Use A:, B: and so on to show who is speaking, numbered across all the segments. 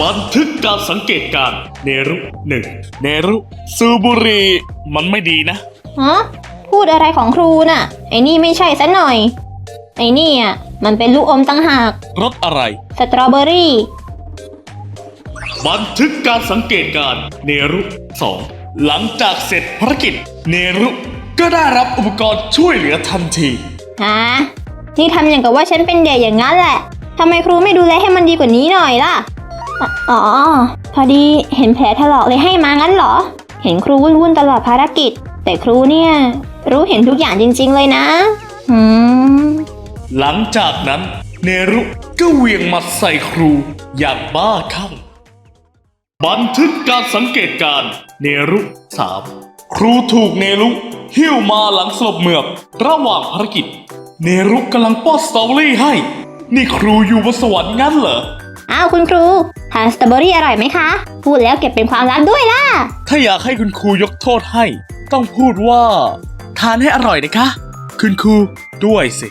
A: บันทึกการสังเกตการณ์เนรุหนึ่งเนรุสูบบุหรี่มันไม่ดีนะ
B: ฮะพูดอะไรของครูน่ะไอ้นี่ไม่ใช่ซะหน่อยไอ้นี่อ่ะมันเป็นลูกอมตั้งหาก
A: รสอะไร
B: สตรอเบอรี่
A: บันทึกการสังเกตการณ์เนรุสองหลังจากเสร็จภารกิจเนรุก็ได้รับอุปกรณ์ช่วยเหลือทันที
B: ฮะนี่ทำอย่างกับว่าฉันเป็นเด็กอย่างนั้นแหละทำไมครูไม่ดูแลให้มันดีกว่านี้หน่อยล่ะอ๋อพอดีเห็นแผลถลอกเลยให้มางั้นเหรอเห็นครูวุ่นๆตลอดภารกิจแต่ครูเนี่ยรู้เห็นทุกอย่างจริงๆเลยนะ
A: หลังจากนั้นเนรุก็เหวี่ยงหมัดใส่ครูอย่างบ้าคลั่งบันทึกการสังเกตการณ์เนรุ3ครูถูกเนรุหิ้วมาหลังสลบเหมือบระหว่างภารกิจเนรุกำลังป้อนสตรอเบอรี่ให้นี่ครูอยู่บนสวรรค์งั้นเหรอ
B: อ้าวคุณครูทานสตรอเบอรี่อร่อยไหมคะพูดแล้วเก็บเป็นความลับด้วยล่ะ
A: ถ้าอยากให้คุณครูยกโทษให้ต้องพูดว่าทานให้อร่อยนะคะคุณครูด้วยสิ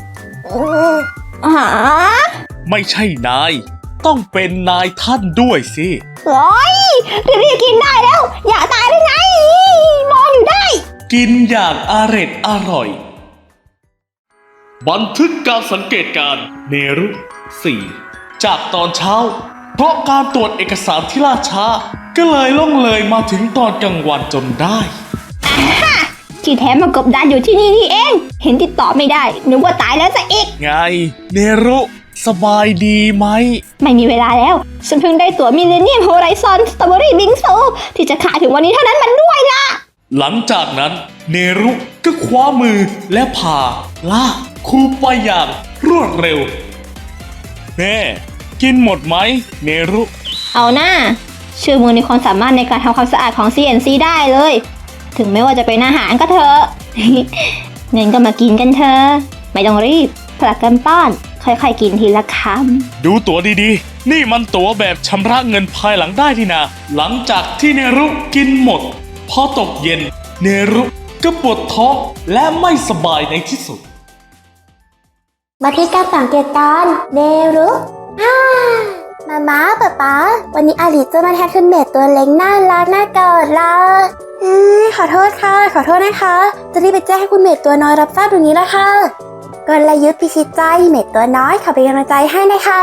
A: ไม่ใช่นายต้องเป็นนายท่านด้วยสิ
B: โอ้ยรีบกินได้แล้วอย่าตายได้ไงมองอยู่ได้
A: กินอย่างอร่อยบันทึกการสังเกตการณ์เนรุ4จากตอนเช้าเพราะการตรวจเอกสารที่ล่าช้าก็เลยล่องเลยมาถึงตอนกลางวันจนได้
B: ที่แท้มากบดานอยู่ที่นี่นี่เองเห็นติดต่อไม่ได้นึกว่าตายแล้วซะอีก
A: ไงเนรุสบายดีไหม
B: ไม่มีเวลาแล้วฉันเพิ่งได้ตั๋วมิลเลนเนียมโฮไรซอนสตรอเบอรี่บิงซูที่จะขายถึงวันนี้เท่านั้นมันด้วยล่ะ
A: หลังจากนั้นเนรุก็คว้ามือและพาลากครูไปอย่างรวดเร็วแน่กินหมดไหมเนรุ
B: เอาหน้าเชื่อมือในความสามารถในการทำความสะอาดของ CNC ได้เลยถึงไม่ว่าจะเป็นอาหารก็เถอะ เงินก็มากินกันเถอะไม่ต้องรีบผลัดกันป้อนค่อยๆกินทีละค
A: ำดูตั๋วดีๆนี่มันตั๋วแบบชำระเงินภายหลังได้ที่นาหลังจากที่เนรุกินหมดพอตกเย็นเนรุก็ปวดท้องและไม่สบายในที่สุด
C: มาที่การสังเกตการณ์เนรุมาป๊าวันนี้อาลิจะมาแทนคุณเมดตัวเล็กน่ารักน่ากอดละขอโทษค่ะขอโทษนะคะจะรีบไปแจ้งให้คุณเมดตัวน้อยรับทราบตรงนี้ละค่ะกลยุทธ์พิชิตใจเมดตัวน้อยขอเป็นกำลังใจให้นะคะ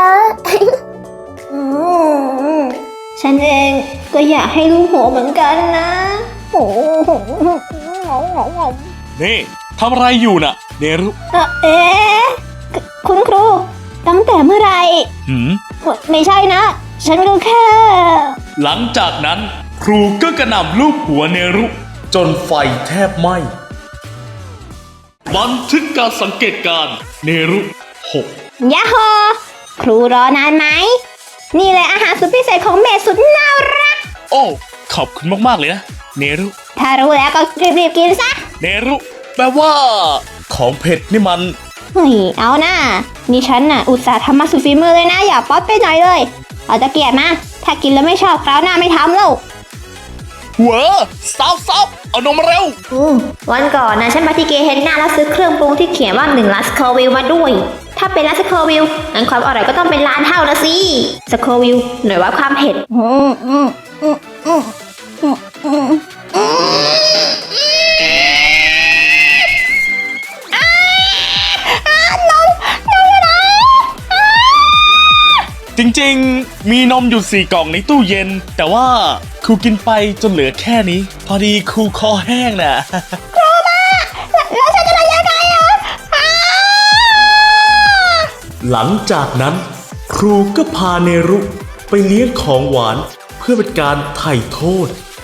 B: ฉันเองก็อยากให้ลูกหัวเหมือนกันนะ
A: นี่ทำอะไรอยู่น่ะเนรุ
B: คุณครูตั้งแต่เมื่อไหร่ไม่ใช่นะฉันก็แค่
A: หลังจากนั้นครูก็กระหน่ำลูบหัวเนรุจนไฟแทบไหม้บันทึกการสังเกตการณ์เนรุ6
B: ยะโฮครูรอนานไหมนี่แหละอาหารสุดพิเศษของเมดสุดน่ารัก
A: โอ้ขอบคุณมากๆเลยนะเนรุ
B: ถ้ารู้แล้วก็รีบๆกินซะ
A: เนรุแปลว่าของเผ็ดนี่มัน
B: เฮ้ยเอานะนี่ฉันน่ะอุตส่าห์ทำมาสุดฝีมือเลยนะอย่าป๊อตไปหน่อยเลยเอาตะเกียบมาถ้ากินแล้วไม่ชอบคราวหน้าไม่ทำแล้ว
A: เว้อซับเอานมมาเร็ว
B: วันก่อนนะฉันไปที่เกเฮนน่าแล้วซื้อเครื่องปรุงที่เขียนว่า1 ล้านสโควิลมาด้วยถ้าเป็นล้านสโควิลงั้นความอร่อยก็ต้องเป็นล้านเท่านะสิสโควิลหน่วยวัดความเผ็ด
A: จริงๆมีนมอยู่4 กล่องในตู้เย็นแต่ว่าครูกินไปจนเหลือแค่นี้พอดีครูคอแห้งน่ะ
B: ครูมาแล้วฉันจะทำยังไง
A: หลังจากนั้นครูก็พาเนรุไปเลี้ยงของหวานเพื่อเป็นการไถ่โทษ